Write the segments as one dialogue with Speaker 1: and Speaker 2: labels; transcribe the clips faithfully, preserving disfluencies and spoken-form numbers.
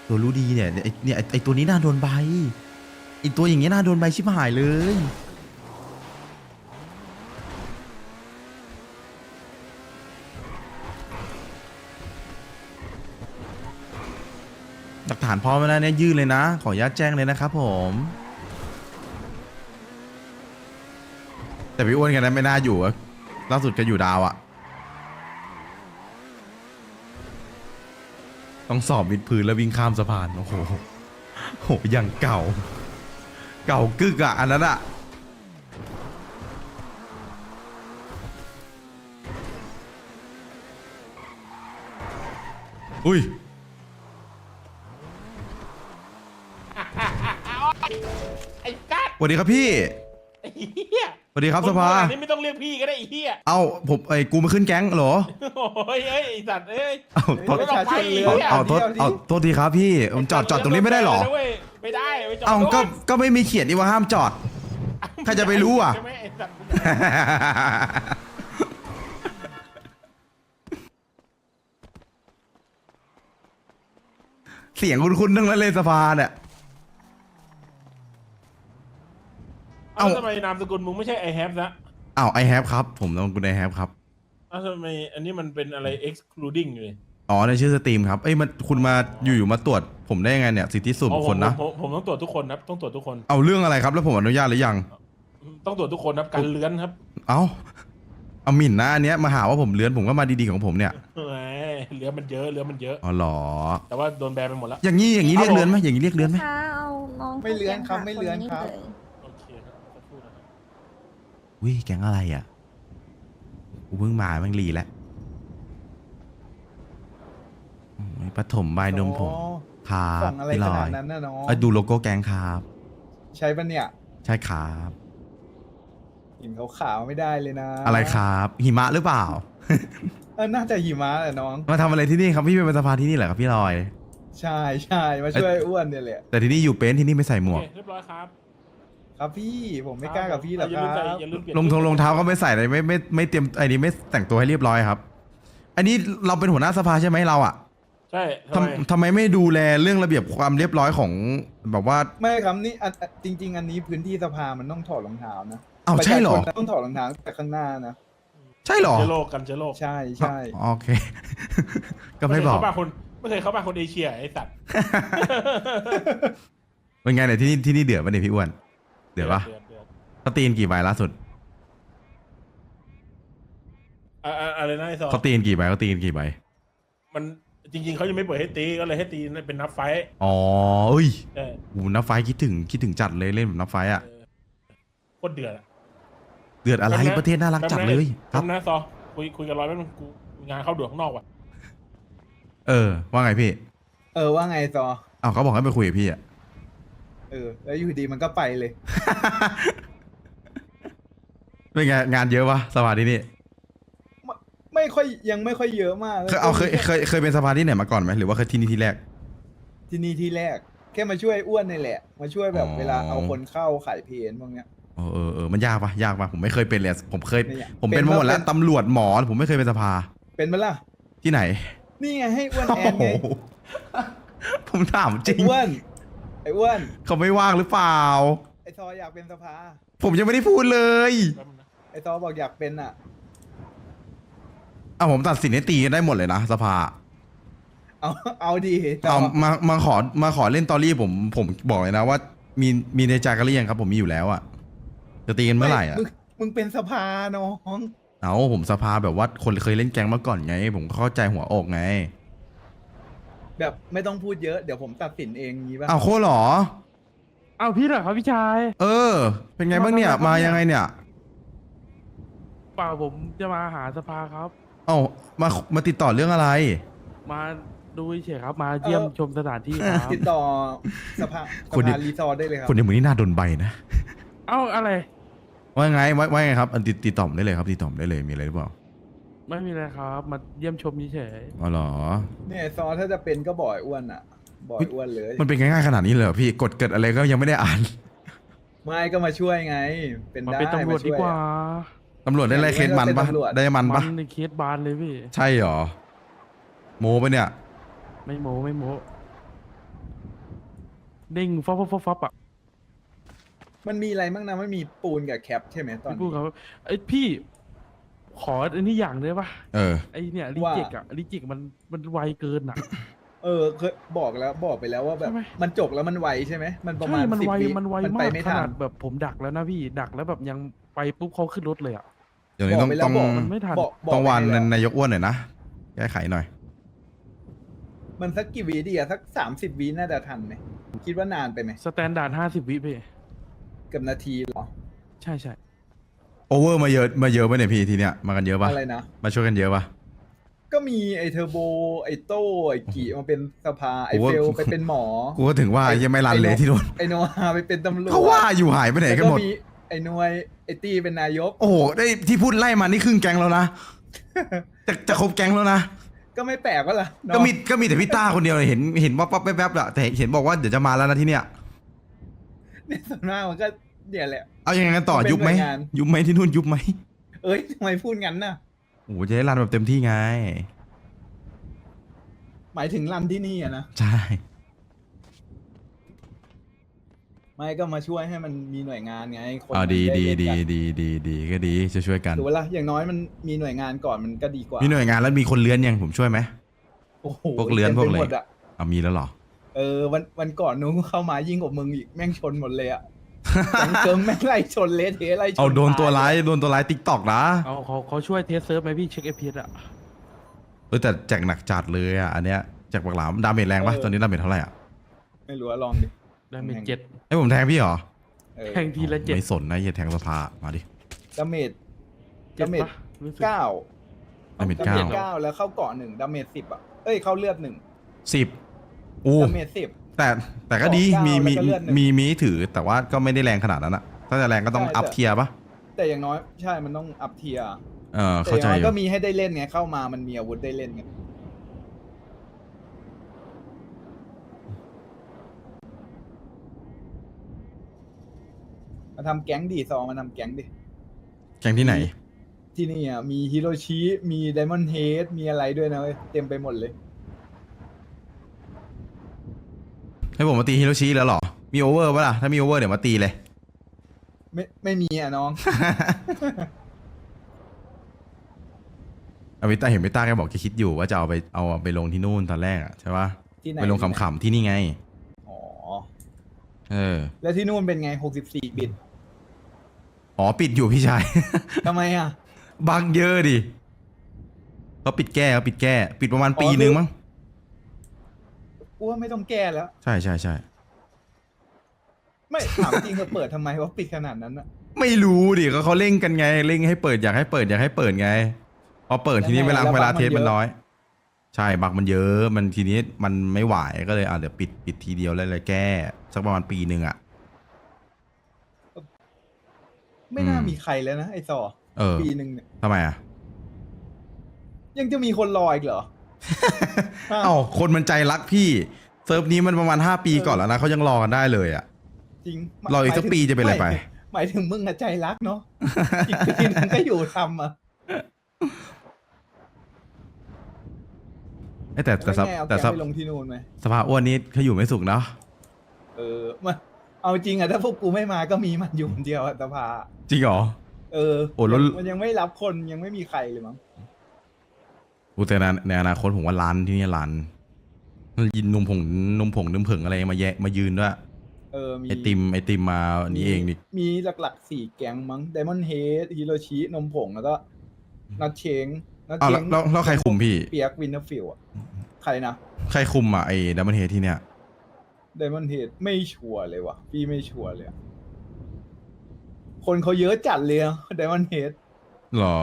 Speaker 1: ตัวรู้ดีเนี่ยไอเนี่ยไอไอตัวนี้น่าโดนใบไอตัวอย่างเงี้ยน่าโดนใบชิบหายเลยหลักฐานพร้อมแล้วเนี่ยยื่นเลยนะขออนุญาตแจ้งเลยนะครับผมแต่พี่อ้วนกันนั้นไม่น่าอยู่อะล่าสุดก็อยู่ดาวอะต้องสอบวิดพื้นแล้ววิ่งข้ามสะพานโอ้โหโหอย่างเก่าเก่ากึกอะอันนั้นอะอุ้ย
Speaker 2: ไอ้กัด
Speaker 1: สวัสดีครับพี่
Speaker 2: ไอ้เหี้ย
Speaker 1: สวัสดีครับสภา
Speaker 2: คนขนาดนี้ไม่ต้องเรียกพี่ก็ได้ไอ้เหี้ย
Speaker 1: เอ้าผมไอ้กูมาขึ้นแก๊งเหรอ
Speaker 2: โอ้ยเอ้ยไอ้สัตว์เอ้ย
Speaker 1: เอ้าโทษ
Speaker 2: ไม่ต้องไป
Speaker 1: เอา
Speaker 2: เหี้ย
Speaker 1: เอาโทษเอาโทษทีครับพี่ผมจอดจอดตรงนี้ไม่ได้เหรอ
Speaker 2: ไม่ได้ไม่จอด
Speaker 1: เอ้าก็
Speaker 2: รถ
Speaker 1: ก็ไม่มีเขียนนี่ว่าห้ามจอด ใครจะไปรู้อ่ะ
Speaker 2: ใช่ไหมไอ้สัตว์
Speaker 1: เสียงคุณคุณทั้งนั้นเลยสภาเนี่ย
Speaker 2: เอ้า
Speaker 1: เอ้า
Speaker 2: ทำไมนามสกุลมึงไม่ใช่ไอแฮปนะ
Speaker 1: อ้าวไอแฮปครับผมนามสกุลไอแฮปครับ
Speaker 2: เอ้าทำไมอันนี้มันเป็นอะไร excluding อยู่เลย
Speaker 1: อ๋อในชื่อสตรีมครับเอ้ยมันคุณมาอยู่ๆมาตรวจผมได้ยังไงเนี่ยสิทธิส่วน
Speaker 2: อ๋อ
Speaker 1: บุค
Speaker 2: ผ
Speaker 1: ค
Speaker 2: ม
Speaker 1: ลนะ
Speaker 2: ผมผมต้องตรวจทุกคนครับต้องตรวจทุกคน
Speaker 1: เอาเรื่องอะไรครับแล้วผมอนุญาตหรือยัง
Speaker 2: ต้องตรวจทุกคนครับการเลื้อนครับ
Speaker 1: เอ้าเอาหมิ่นนะอันเนี้ยมาหาว่าผมเลื้อนผมก็มาดีๆของผมเนี่ย
Speaker 2: แหมเลื้อนมันเยอะเลื้อนมันเยอะ
Speaker 1: อ๋อเหรอ
Speaker 2: แต่ว่าโดนแบนไปหมดแล้ว
Speaker 1: อย่างนี้อย่างนี้เรียก
Speaker 2: ครับผม
Speaker 1: เลื้อนไหมอย่างนี้เรียกเลื้อนไหม
Speaker 3: คะเอาน้อง
Speaker 4: ไม่เลื้อนครับไม่เลื้อนครับ
Speaker 2: โอเคครับสักครู่นะครับ
Speaker 1: วิแก๊งอะไรอ่ะกูเพิ่งมาแม่งรีแล้วอืมปฐมบายนมผมครั
Speaker 4: ส่
Speaker 1: บ
Speaker 4: งอะไร
Speaker 1: พี่ล
Speaker 4: ข
Speaker 1: อ
Speaker 4: นาด
Speaker 1: ย
Speaker 4: นั้นนะน้อง
Speaker 1: เอ้ยดูโลโก้แก๊งครับ
Speaker 4: ใช้ปะเนี่ย
Speaker 1: ใช่ครับ
Speaker 4: เห็นขาวๆไม่ได้เลยนะ
Speaker 1: อะไรครับหิมะหรือเปล่า
Speaker 4: เออน่าจะหิมะแหละน้อง
Speaker 1: มาทำอะไรที่นี่ครับพี่เป็นสภาที่นี่เหรอครับพี่ลอย
Speaker 4: ใช่ใช่มาช่วยอ้วนเนี่ยแหละ
Speaker 1: แต่ที่นี่อยู่เป็นที่นี่ไม่ใส่หม
Speaker 2: โอ
Speaker 1: วก
Speaker 2: เคเรียบร้อยครับ
Speaker 4: ครับพี่ผมไม่กล้ากับพี่หรอก
Speaker 2: อย่า
Speaker 4: ค
Speaker 2: ลื
Speaker 4: รั
Speaker 2: มใส่
Speaker 4: บ
Speaker 2: อย่าลืมเปลี่ยน
Speaker 1: รองทงรองเท้าก็ไม่ใส่เลยไม่ไม่ไม่เตรียมไอ้นี่ไม่แต่งตัวให้เรียบร้อยครับ อันนี้เราเป็นหัวหน้าสภาใช่ไหมเราอ่ะ
Speaker 2: ใช่ทำไม
Speaker 1: ทำทำไมไม่ดูแลเรื่องระเบียบความเรียบร้อยของแบบว่า
Speaker 4: ไม่ครับนี่อันอันจริง ๆ อันนี้พื้นที่สภามันต้องถอดรองเท้านะ
Speaker 1: อ้าวใช่เหรอ
Speaker 4: ประชาชนต้องถอดรองเท้าแต่ข้างหน้านะ
Speaker 1: ใช่เหรอ
Speaker 2: เชื้อโรคกันเชื้อโรค
Speaker 4: ใช่ใช่
Speaker 1: อ๋อโอเค ก็ไม่บอก
Speaker 2: เคยเข้าบ้านคนไม่เคยเข้าบ้านคนเอเชียไอ้สัตว์
Speaker 1: เป็นไงเนี่ยที่นี่ที่นี่เดือดปะเนี่ยพี่อ้วนเดือดปะ
Speaker 2: เดือดเดือด
Speaker 1: เขาตีนกี่ใบล่าสุด
Speaker 2: อ่ะอ่ะอะไรนะไอ้ซอ
Speaker 1: เขาตีนกี่ใบเขาตีนกี่ใบ
Speaker 2: มันจริง ๆเขายังไม่เปิดให้ตีก็เลยให้ตีเป็นนับไฟท์
Speaker 1: อ๋อเอ้ย
Speaker 2: เออ
Speaker 1: โหนับไฟคิดถึงคิดถึงจัดเลยเล่นแบบนับไฟอ่ะ
Speaker 2: โคตรเดือดอะ
Speaker 1: เดือดอะไร
Speaker 2: แป๊บนะ
Speaker 1: ประเทศน่ารักจัดเลยค
Speaker 2: ค
Speaker 1: รั
Speaker 2: รับ บนะซอคุยคุยกันร้อยแป๊บนึงกูงานเข้าด่วนข้างนอกว่ะ
Speaker 1: เออว่าไงพี่
Speaker 4: เออว่าไงซอ
Speaker 1: อ้าวเขาบอกให้ไปคุยกับพี่อ่ะ
Speaker 4: เออแล้วอยู่ดีมันก็ไปเลย
Speaker 1: เป็นไงงานเยอะปะสภาที่นี่
Speaker 4: ไม่ไม่ค่อยยังไม่ค่อยเยอะมาก
Speaker 1: เคยเอาเคยเคยเคยเป็นสภาที่ไหนมาก่อนไหมหรือว่าเคยที่นี่ที่แรก
Speaker 4: ที่นี่ที่แรก แค่มาช่วยอ้วนนี่แหละ มาช่วยแบบ
Speaker 1: อ๋อ
Speaker 4: เวลาเอาคนเข้าขายเพนพวกเนี้ย
Speaker 1: เออเออเออมันยากปะยากปะผมไม่เคยเป็นเลยผมเคย
Speaker 4: ไม่อยาก
Speaker 1: ผมเป็นมาหมดแล้ว
Speaker 4: เป็น
Speaker 1: ตำรวจหมอผมไม่เคยเป็นสภา
Speaker 4: เป็นไหมล่ะ
Speaker 1: ที่ไหน
Speaker 4: นี่ไงให้อ้วนแอน
Speaker 1: โอ้
Speaker 4: ไง
Speaker 1: โหผมถามจริ
Speaker 4: ไอ้
Speaker 1: ง
Speaker 4: อ้วนไอ้อ้วน
Speaker 1: เขาไม่ว่างหรือเปล่า
Speaker 4: ไอ้ซออยากเป็นสภา
Speaker 1: ผมยังไม่ได้พูดเลย
Speaker 2: แป๊บนึงนะ
Speaker 4: ไอ้ซอบอกอยากเป็นอ่ะ
Speaker 1: อ่ะผมตัดสินให้ตีกันได้หมดเลยนะสภา
Speaker 4: เอาเอาดีซ
Speaker 1: เอามามาขอมาขอเล่นตอรี่ผมผมบอกเลยนะว่า มีมีในใจกันหรือยังครับ ผมมีอยู่แล้วอะจะตีกันเมื่อไหร่อะ
Speaker 4: มึงมึงเป็นสภาน้อง
Speaker 1: เอาผมสภาแบบว่าคนเคยเล่นแก๊งมาก่อนไง ผมเข้าใจหัวอกไง
Speaker 4: แบบไม่ต้องพูดเยอะเดี๋ยวผมตัดสินเองงี้ป่ะ
Speaker 1: อ้าวโคตรเหรอ
Speaker 5: เอาพี่เหรอครับพี่ชาย
Speaker 1: เออ เป็นไงบ้างเนี่ยมายังไงเนี่ย
Speaker 5: เปล่าผมจะมาหาสภาครับ
Speaker 1: เอ้ามามาติดต่อเรื่องอะไร
Speaker 5: มาดูเฉยๆครับ มาเยี่ยมชมสถานที่ครับ
Speaker 4: ติดต่อสภาส
Speaker 1: คนเดีย
Speaker 4: ภาว รีสอร์ทได้เลยครับ
Speaker 1: คนในมือนี่น่าโดนใบนะ
Speaker 5: เอ้าอะไร
Speaker 1: ว่าไงว่าว่าไงครับอันติดติดต่อผมได้เลยครับติดต่อผมได้เลยมีอะไรหรือเปล่า
Speaker 5: ไม่มีอะไรครับ มาเยี่ยมชมเฉย
Speaker 1: อ๋อเหรอ
Speaker 4: เนี่ยซอถ้าจะเป็นก็บ่อยอ้วนอ่ะ บ่อยอ้วนเลย
Speaker 1: มันเป็นง่ายๆขนาดนี้เลยเหรอพี่กดเกิดอะไรก็ยังไม่ได้อ่าน
Speaker 4: ไม่ก็มาช่วยไง เป็น
Speaker 5: ๆมา
Speaker 4: ได้
Speaker 5: เป็นตำรวจดีกว่า
Speaker 1: ตำรวจได้อะไรเคสมันปะได้มัน
Speaker 5: มั
Speaker 1: ปะ
Speaker 5: นในเคสบานเลยพี่
Speaker 1: ใช่เหรอโมปะเนี่ย
Speaker 5: ไม่โม้ไม่โม้เด้งฟอปฟอปฟอปฟอปอ่ะ
Speaker 4: มันมีอะไรบ้างนะไม่มีปูนกับแคปใช่ไหมตอน
Speaker 5: พี่พูด
Speaker 4: นี้
Speaker 5: ครับไอยพี่ ขออันนี้อย่างได้ปะ
Speaker 1: เออ
Speaker 5: ไอเนี่ยลิ
Speaker 4: ว่า
Speaker 5: จิกอ่ะลิจิกมันมันไวเกินอ่ะ
Speaker 4: เออเคยบอกแล้วบอกไปแล้วว่าแบบ
Speaker 5: ใช่ไหม
Speaker 4: มันจกแล้วมันไวใช่ไหมมันประมาณ
Speaker 5: ใช่มัน
Speaker 4: สิบ
Speaker 5: ไว
Speaker 4: วิ
Speaker 5: มันไว
Speaker 4: มัน
Speaker 5: มา
Speaker 4: ไป
Speaker 5: ก
Speaker 4: ไม่
Speaker 5: ข
Speaker 4: ทั
Speaker 5: นาน ดแบบผมดักแล้วนะพี่ดักแล้วแบบยังไปปุ๊บเขาขึ้นรถเลยอ่ะ
Speaker 1: เดี๋ยวนี้ต้อง
Speaker 4: บอกไปแล้
Speaker 1: ต้
Speaker 4: ว
Speaker 1: อง
Speaker 4: บอก
Speaker 5: มันไม่ทัน
Speaker 4: บอกบอก
Speaker 1: ต้องวาน
Speaker 4: ไปแล้ว
Speaker 1: นายกอ้วนหน่อยนะแก้ไขหน่อย
Speaker 4: มันสักกี่วิดีอะสักสามสิบวิน่าจะทันไหมคิดว่านานไปไหม
Speaker 5: สแตนดาร์ดห้าสิบวิพี่
Speaker 4: เกับนาทีเหรอ
Speaker 5: ใช่ใช่
Speaker 1: โอเวอร์มาเยอะมาเยอะป่ะเนี่ยพี่ทีเนี้ยมากันเยอะป่ะ
Speaker 4: อะไรนะ
Speaker 1: มาช่วยกันเยอะป่ะ
Speaker 4: ก็มีไอเทอร์โบไอโต้ไอกีมาเป็นสภาไอ
Speaker 1: โอ้โห
Speaker 4: เฟลไปเป็นหมอ
Speaker 1: กูก็ถึงว่ายังไม่รันเลยที่โดน
Speaker 4: ไอโนอาไปเป็นตำรวจ
Speaker 1: เขาว่าอยู่หายไปไหนกันหมด
Speaker 4: แล้วมีไอหนวยไอตี้เป็นนายก
Speaker 1: โอ้โหได้ที่พูดไล่มานี่ครึ่งแก๊งแล้วนะ จะจะครบแก๊งแล้วนะ
Speaker 4: ก็ไม่แปลกว่าล่ะเนาะ
Speaker 1: ก็มีก็มีแต่พี่ต้าคนเดียวเลยเห็นเห็นว่าปั๊บแป๊บๆอะแต่เห็นบอกว่าเดี๋ยวจะมาแล้วนะที่เนี้ย
Speaker 4: เนี่ยส่วนมากมันก็เนี่ยแหละ
Speaker 1: เอายังไงกันต่อ
Speaker 4: เป็น
Speaker 1: ยุบไหม
Speaker 4: หน่วยงาน
Speaker 1: ยุบไหมที่นู่นยุบไหม
Speaker 4: เอ้ยทำไมพูดงั้นน่ะ
Speaker 1: โอ้โหจะได้รันแบบเต็มที่ไง
Speaker 4: หมายถึงรันที่นี่อะนะ
Speaker 1: ใช่
Speaker 4: ไม่ก็มาช่วยให้มันมีหน่วยงานไงคน
Speaker 1: เอา
Speaker 4: มัน
Speaker 1: ดี
Speaker 4: ไ
Speaker 1: ดี
Speaker 4: เล่น
Speaker 1: ดี
Speaker 4: กัน
Speaker 1: ดีดีดีก็ดีช่วยช่วยกัน
Speaker 4: ถือว่าละอย่างน้อยมันมีหน่วยงานก่อนมันก็ดีกว่า
Speaker 1: มีหน่วยงานแล้วมีคนเลื้อนยังผมช่วยไหม
Speaker 4: โอ้โห
Speaker 1: พวกเลื้อนพวกอะไร
Speaker 4: ต็มปหมดอะ
Speaker 1: เอามีแล้วเหรอ
Speaker 4: เออวันวันก่อนนู้นเข้ามายิ่งกว่ามึงอีกแม่งชนหมดเลยอะ จังเกิงแม่งไล่ชนเละเทะไล่ชน
Speaker 1: เอาโดนตัวร้าย
Speaker 4: ต
Speaker 1: โดนตัวร้ายติ๊กตอกนะ
Speaker 5: เอาเขาเขาช่วยเทสเซิร์ฟไหมพี่เช็คเอพีเอสอ่ะ
Speaker 1: เออแต่แจกหนักจัดเลยอ่ะอันเนี้ยแจกปากหลามดาเมจแรงปะตอนนี้ดาเมจเท่าไหร่อ่ะ
Speaker 4: ไม่รู้ว่าลองดิ
Speaker 5: ได้เมจเจ็ด
Speaker 1: ให้ผมแทงพี่เหรอ
Speaker 4: เออ
Speaker 5: แทงทีละเจ็ด
Speaker 1: ไม่สนนะอย่าแทงสภามาดิ
Speaker 4: ดาเมจ
Speaker 5: เจ็ด
Speaker 4: ดาเมจ
Speaker 5: ปะรู้สึก
Speaker 4: เก้า
Speaker 1: ดาเมจ
Speaker 4: ดา
Speaker 1: เก้า
Speaker 4: เมจเก้าแล้วเข้าเกาะหนึ่งดาเมจสิบอะเอ้ยเข้าเลือดหนึ่ง
Speaker 1: สิบอู้
Speaker 4: ดาเมจสิบ
Speaker 1: แต่แต่ก็ดี
Speaker 4: เก้า
Speaker 1: มีมี
Speaker 4: แล้วก็เลือดหนึ่ง
Speaker 1: มีมีถือแต่ว่าก็ไม่ได้แรงขนาดนั้นอะถ้าจะแรงก็ต้อง
Speaker 4: ใช่
Speaker 1: อัพ
Speaker 4: แต่
Speaker 1: เทียร์ปะ
Speaker 4: แต่อย่างน้อยใช่มันต้องอัพเทียร์
Speaker 1: เออ
Speaker 4: แต่
Speaker 1: เข้า
Speaker 4: อ
Speaker 1: ใจ
Speaker 4: ย่างน้อย
Speaker 1: อยู่
Speaker 4: ก็มีให้ได้เล่นไงเข้ามามันมีอาวุธได้เล่นไงมาทำแก๊งดิซองมาทำแก๊งดิ
Speaker 1: แข่งที่ไหน
Speaker 4: ที่นี่อ่ะมีฮิโรชิมีไดมอนด์เฮดมีอะไรด้วยนะเว้ยเต็มไปหมดเลย
Speaker 1: ให้ผมมาตีฮิโรชิแล้วเหรอ มีโอเวอร์ปะล่ะ ถ้ามีโอเวอร์เดี๋ยวมาตีเลย
Speaker 4: ไม่ไม่มีอ่ะน้อง
Speaker 1: อวิต้าเห็นวิต้าแกบอกแกคิดอยู่ว่าจะเอาไปเอาไปลงที่นู่นตอนแรกอะใช่ปะ
Speaker 4: ที่ไหน
Speaker 1: ไปลงขำๆที่นี่ไง
Speaker 4: อ๋อ
Speaker 1: เออ
Speaker 4: แล้วที่นู่นเป็นไงหกสิบสี่บิต
Speaker 1: อ๋อปิดอยู่พี่ชาย
Speaker 4: ทำไมอ่ะ
Speaker 1: บังเยอะดิเขาปิดแก้เขาปิดแก้ ปิดประมาณปีนึงมั้ง
Speaker 4: กูว่าไม่ต้องแก้แล้ว
Speaker 1: ใช่ใช่ใช่
Speaker 4: ไม่ถามจริงเขาเปิดทำไมว่าปิดขนาดนั้นอ่ะ
Speaker 1: ไม่รู้ดิก็เขาเร่งกันไงเร่งให้เปิดอยากให้เปิดอยากให้เปิดไงพอเปิดทีนี้เวลา
Speaker 4: แล้ว
Speaker 1: เวลา
Speaker 4: บั๊กมัน
Speaker 1: เทสมัน
Speaker 4: เยอะ
Speaker 1: น้อย ใช่บักมันเยอะมันทีนี้มันไม่ไหวก็เลยอ่ะเดี๋ยวปิดปิดทีเดียวเลยเลยแก้สักประมาณปีหนึ่งอ่ะ
Speaker 4: ไม่น่า
Speaker 1: อืม
Speaker 4: มีใครแล้วนะไอ้ซอ
Speaker 1: เออ
Speaker 4: ปีหนึ่งเนี่ย
Speaker 1: ทำไมอ่ะ
Speaker 4: ยังจะมีคนรออีกเหรอ
Speaker 1: เอ้าคนมันใจรักพี่เซิร์ฟนี้มันประมาณห้าปี
Speaker 4: เออ
Speaker 1: ก่อนแล้วนะเขายังรอกันได้เลยอ่ะ
Speaker 4: จริง
Speaker 1: รออีกสักปีจะเป็นอะไรไป
Speaker 4: ม่หมายถึงมึงอะใจรักเนาะ อีกปีหนึงก็อยู่ทำอ่ะ
Speaker 1: เอ้ยแต่แต่
Speaker 4: แต่
Speaker 1: สภ
Speaker 4: เอา
Speaker 1: แต่
Speaker 4: แก
Speaker 1: สภ
Speaker 4: ไปลงที่นู่นไหม
Speaker 1: สภาอ้วนนี้เขาอยู่ไม่สุขเนาะ
Speaker 4: เออมาเอาจริงอะถ้าพวกกูไม่มาก็มีมันอยู่คนเดียวอะสภา
Speaker 1: จริงเหรอ
Speaker 4: เออ
Speaker 1: โอ้แล้ว
Speaker 4: มันยังไม่รับคนยังไม่มีใครเลยมั้ง
Speaker 1: อุยแต่ในในอนาคตผมว่าร้านที่นี่ร้านยินนมผงนมผงนมผงอะไรมาแยะมายืนด้วย
Speaker 4: เออมี
Speaker 1: ไอติมไอติมมาอันนี้เองนี่
Speaker 4: มีหลักๆสี่แก๊งมั้งไดมอนด์เฮดฮิโรชินมผงแล้วก็นัทเชงนัท
Speaker 1: อ้าว
Speaker 4: เช
Speaker 1: แล้ว
Speaker 4: ง
Speaker 1: แล้วแล้วใครคุมพี่
Speaker 4: เปียกวินเทอร์ฟิลอะใครนะ
Speaker 1: ใครคุมอ่ะไอ้ดัมเบิลเฮดที่เนี่ย
Speaker 4: ไดมอนด์เฮดไม่ชัวร์เลยว่ะพี่ไม่ชัวร์เลยอะคนเขาเยอะจัดเลยไดมอนด์เฮด
Speaker 1: หรอ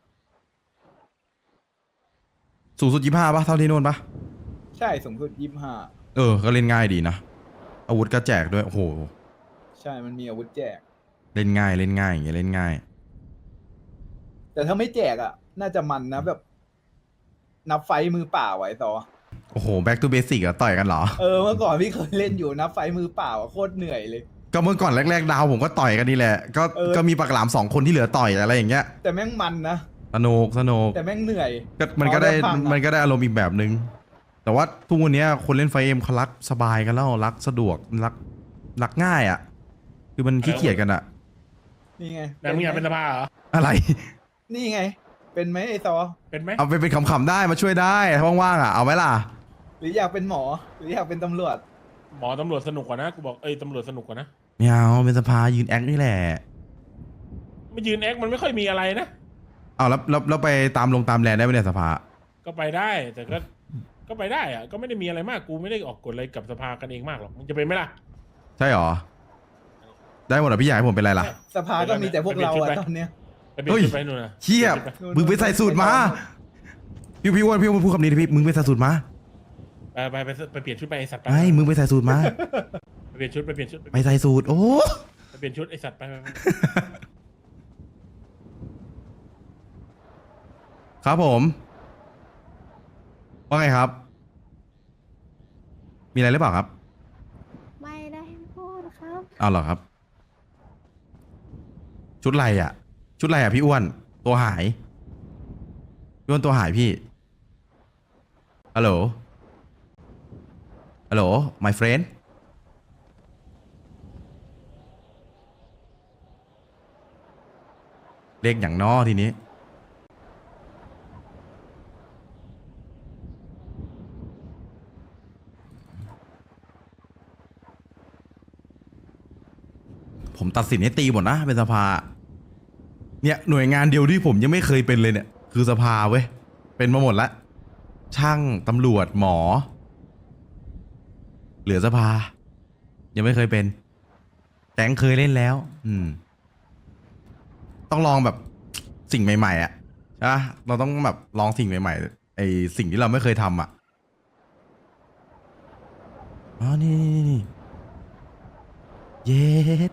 Speaker 1: สูงสุดยี่ห้าปะเท่าที่โน่นปะ
Speaker 4: ใช่สูงสุดยี่สิบห้า
Speaker 1: เออ ก็เล่นง่ายดีนะ อาวุธก็แจกด้วย โอ้โห
Speaker 4: ใช่มันมีอาวุธแจก
Speaker 1: เล่นง่ายเล่นง่ายอย่างเงี้ยเล่นง่าย
Speaker 4: แต่ถ้าไม่แจกอ่ะ น่าจะมันนะแบบ นับไฟต์มือเปล่าไว้ต่อ
Speaker 1: โอ้โห back to basic อะต่อยกันเหรอ
Speaker 4: เออเมื่อก่อนพี่เคยเล่นอยู่นับไฟต์มือเปล่าอะโคตรเหนื่อยเลย
Speaker 1: ก็เมื่อก่อนแรกๆดาวผมก็ต่อยกันนี่แหละ ก็
Speaker 4: เออ
Speaker 1: ก็มีปากหลามสองคนที่เหลือต่อยอะไรอย่างเงี้ย
Speaker 4: แต่แม่งมันนะ
Speaker 1: สนุกสนุก
Speaker 4: แต่แม่งเหนื่อย
Speaker 1: ก็มันก็ได้
Speaker 4: พอได้ฟังอะ
Speaker 1: มันก็ได้อารมณ์อีกแบบนึงแต่ว่าทุกวันนี้คนเล่นไฟเอ็มเขารักสบายกันแล้วรักสะดวกรักรักง่ายอ่ะ คือมันขี้เกียจกันอ่ะ
Speaker 4: นี่ไง
Speaker 2: แต่มึงอยากเป็นสภาเหรอ
Speaker 1: อะไร
Speaker 4: นี่ไง เป็นไหมไอซอ
Speaker 2: เป็นไหม
Speaker 1: เอาไปเป็นขำๆได้มาช่วยได้ถ้าว่างๆอ่ะเอาไหมล่ะ
Speaker 4: หรืออยากเป็นหมอ หรืออยากเป็นตำรวจ
Speaker 2: หมอตำรวจสนุกกว่านะกูบอกเอ้ยตำรวจสนุกกว่านะ
Speaker 1: ไม่เอาเป็นสภายืนแอคนี่แหละ
Speaker 2: ไม่ยืนแอคมันไม่ค่อยมีอะไรนะ
Speaker 1: เอาแล้วแล้วแล้วไปตามลงตามแลนได้ไหมเนี่ยสภา
Speaker 2: ก็ไปได้แต่ก็ก็ไปได้อะก็ไม่ได้มีอะไรมากกูไม่ได้ออกกฎอะไรกับสภากันเองมากหรอกมึงจะเป็นไหมล่ะ
Speaker 1: ใช่หรอ ได้หมดเหรอพี่ใหญ่ผมเป็นไรล่ะ
Speaker 4: สภาก็มีแต่พวกเราอะตอนเนี้ย
Speaker 2: ไปเปลี่ยนชุดไปนู่นนะ
Speaker 1: เชี่ย มึงไปใส่สูตรมาพี่พี่อ้วนพี่อ้วนพูดคำนี้ดิพี่มึงไปใส่สูตรมา
Speaker 2: ไปไปไปไปเปลี่ยนชุดไปไอสัตว์ไป
Speaker 1: ไอ้มึงไปใส่สูตรมา
Speaker 2: ไปเปลี่ยนชุดไปเปลี่ยนชุด
Speaker 1: ไปใส่สูตรโอ้
Speaker 2: ไปเปลี่ยนชุดไอสัตว์ไปไปไป
Speaker 1: ครับผมว่าไงครับ มีอะไรหรือเปล่าครับ
Speaker 3: ไม่ได้พูดครับ
Speaker 1: เอาเหรอครับ ชุดอะไรอ่ะ ชุดอะไรอ่ะพี่อ้วนตัวหายพี่อ้วนตัวหายพี่ฮัลโหลฮัลโหล my friend เลขอย่างนอทีนี้ ผมตัดสินให้ตีหมดนะเป็นสภา เนี่ยหน่วยงานเดียวที่ผมยังไม่เคยเป็นเลยเนี่ย คือสภาเว้ย เป็นมาหมดละช่างตำรวจหมอ เหลือสภา ยังไม่เคยเป็นแต่งเคยเล่นแล้ว อืม ต้องลองแบบสิ่งใหม่ๆอ่ะใช่ปะเราต้องแบบลองสิ่งใหม่ๆไอสิ่งที่เราไม่เคยทำอ่ะอ๋อนี่นี่นี่เย็ด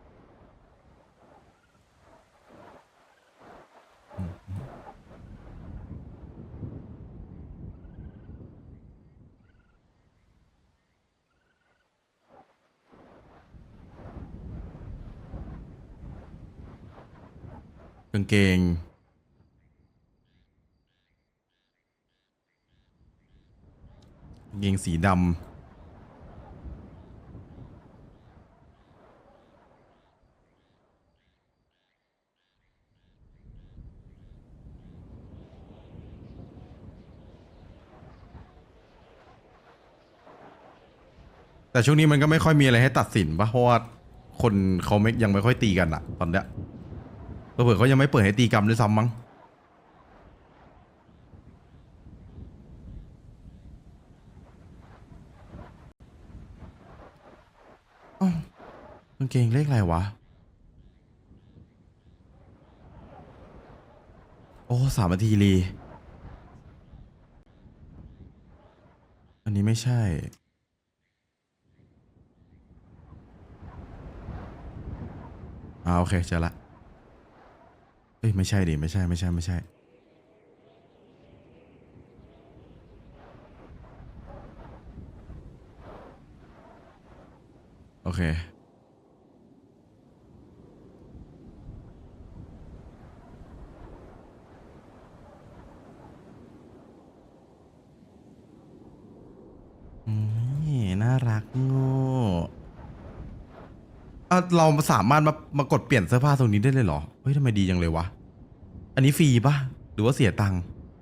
Speaker 1: กางเกงกางเกงสีดำแต่ช่วงนี้มันก็ไม่ค่อยมีอะไรให้ตัดสินปะเพราะว่าคนเขาไม่ยังไม่ค่อยตีกันอะตอนเนี้ยเผื่อๆเขายังไม่เปิดให้ตีกรรมด้วยซ้ำมั้งอ้าวกางเกงเลขอะไรวะ โอ้สามนาทีรีอันนี้ไม่ใช่อ่าโอเคเจอละเอ้ยไม่ใช่ดิไม่ใช่ไม่ใช่ไม่ใช่โอเคนี่น่ารักโง่อ่ะเราสามารถมามากดเปลี่ยนเสื้อผ้าตรงนี้ได้เลยเหรอเฮ้ยทำไมดีจังเลยวะอันนี้ฟรีปะหรือว่าเสียตังค์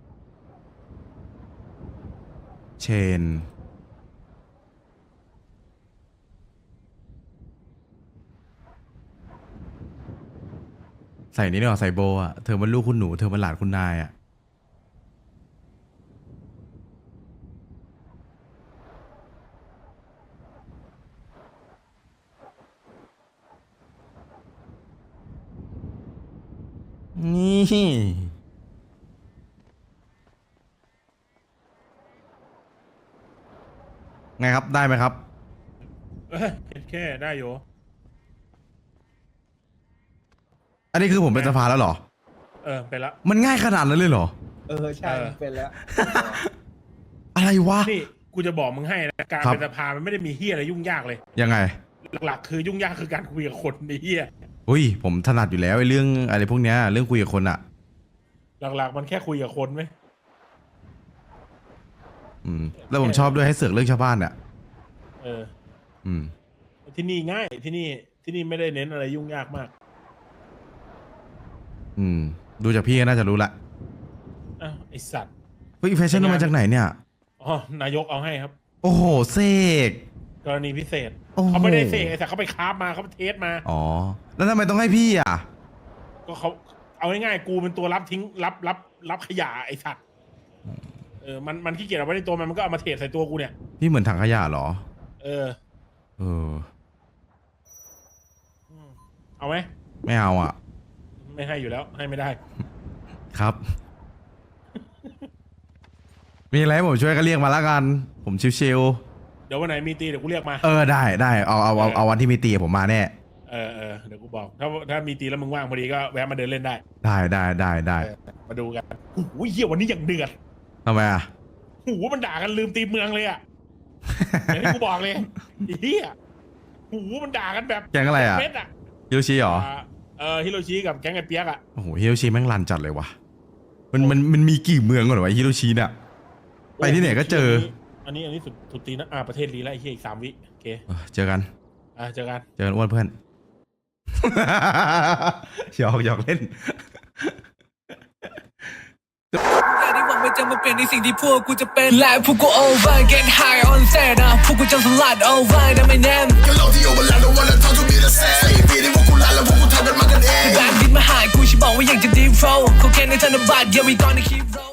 Speaker 1: เชนใส่นี่เนาะใส่โบอ่ะเธอมันลูกคุณหนูเธอมันหลานคุณนายอ่ะนี่ไงครับได้ไหมครับ
Speaker 2: เอ้ยแค่ได้อยู่
Speaker 1: อันนี้คือผมเป็นสภาแล้วเหรอ
Speaker 2: เออไปละ
Speaker 1: มันง่ายขนาดนั้นเลยเหรอ
Speaker 4: เออใช่
Speaker 2: เออ
Speaker 4: เป็นแล้ว
Speaker 1: อะไรวะ
Speaker 2: นี่กูจะบอกมึงให้นะการ
Speaker 1: ครับ
Speaker 2: เป็นสภามันไม่ได้มีเฮียอะไรยุ่งยากเลย
Speaker 1: ยังไง
Speaker 2: หลักๆคือยุ่งยากคือการคุยกับคนไอ้เฮีย
Speaker 1: อุ้ยผมถนัดอยู่แล้วไอ้เรื่องอะไรพวกเนี้ยเรื่องคุยกับคนอะ
Speaker 2: หลักๆมันแค่คุยกับคนไหม
Speaker 1: อืม แล้วผมชอบด้วยให้เสือกเรื่องชาวบ้านเนี่ย
Speaker 2: เออ
Speaker 1: อืม
Speaker 2: ที่นี่ง่ายที่นี่ที่นี่ไม่ได้เน้นอะไรยุ่งยากมาก
Speaker 1: อืม ดูจากพี่ก็น่าจะรู้ละ
Speaker 2: อ้าวไอสัตว์
Speaker 1: เฮ้ยแฟชั่นเอามาจากไหนเนี่ย
Speaker 2: อ๋อนายกเอาให้ครับ
Speaker 1: โอ้โหเสก
Speaker 2: กรณีพิเศษ
Speaker 1: โอ้โห
Speaker 2: เขาไม่ได้เสกไอสัตว์เขาไปคราฟมาเขาไปเทสมา
Speaker 1: อ๋อ แล้วทำไมต้องให้พี่อ่ะ
Speaker 2: ก็เขาเอาง่ายๆกูเป็นตัวรับทิ้งรับรับรับขยะไอสัตว์เออมันมันขี้เกียจเอาไว้ในตัวมันมันก็เอามาเทใส่ตัวกูเนี่ย
Speaker 1: พี่เหมือนถังขยะเหรอ
Speaker 2: เออ
Speaker 1: เออ
Speaker 2: เอาไหม
Speaker 1: ไม่เอาอ่ะ
Speaker 2: ไม่ให้อยู่แล้ว ให้ไม่ได้
Speaker 1: ครับ มีอะไรให้ผมช่วยก็เรียกมาละกัน ผมชิว
Speaker 2: เดี๋ยววันไหนมีตีเดี๋ยวกูเรียกมา
Speaker 1: ๆ เออได้ได้เอาเอาเอาเอาวันที่มีตีผมมาแน่
Speaker 2: เออเออเดี๋ยวกูบอก ถ้าถ้ามีตีแล้วมึงว่างพอดีก็แวะมาเดินเล่นได้
Speaker 1: ได้ได้ได้ได้
Speaker 2: เออมาดูกันโอ้โหเหี้ยวันนี้อย่างเดือด
Speaker 1: ทำไมอ่ะ
Speaker 2: โอ้โหมันด่ากันลืมตีเมืองเลยอ่ะ อย่างที่กูบอกเลยไอ้เหี้ยโอ้โหมันด่ากันแบบ
Speaker 1: แก๊งอะไรอ่ะ
Speaker 2: เม็ดอ่ะ
Speaker 1: ฮิโรชิเหรอ
Speaker 2: อ่าเออฮิโรชิกับแก๊งไอ้เปียกอ่ะ
Speaker 1: โอ้โหฮิโรชิแม่งรันจัดเลยว่ะ มันมันมันมีกี่เมืองก่อนวะฮิโรชิเนี่ย ไปที่ไหนก็เจอ
Speaker 2: อันนี้อันนี้สุดสุดตีนะอ่าประเทศลีแล้วไอ้เหี้ยอีกสามวิโอเค
Speaker 1: เออเจอกัน
Speaker 2: อ่าเจอกัน
Speaker 1: เจอกันอ้วนเพื่อน หยอกหยอกเล่น
Speaker 6: แต่ที่หวังมันจะมาเป็นในสิ่งที่พวกกูจะเป็นและพวกกู over get high on set นะพวกกูจะสลัด over นะไม่แน่แบนดินมาหากูฉันบอกว่าอยากจะ deep flow เขาแค่ในธนบัตร yeah we gonna keep roll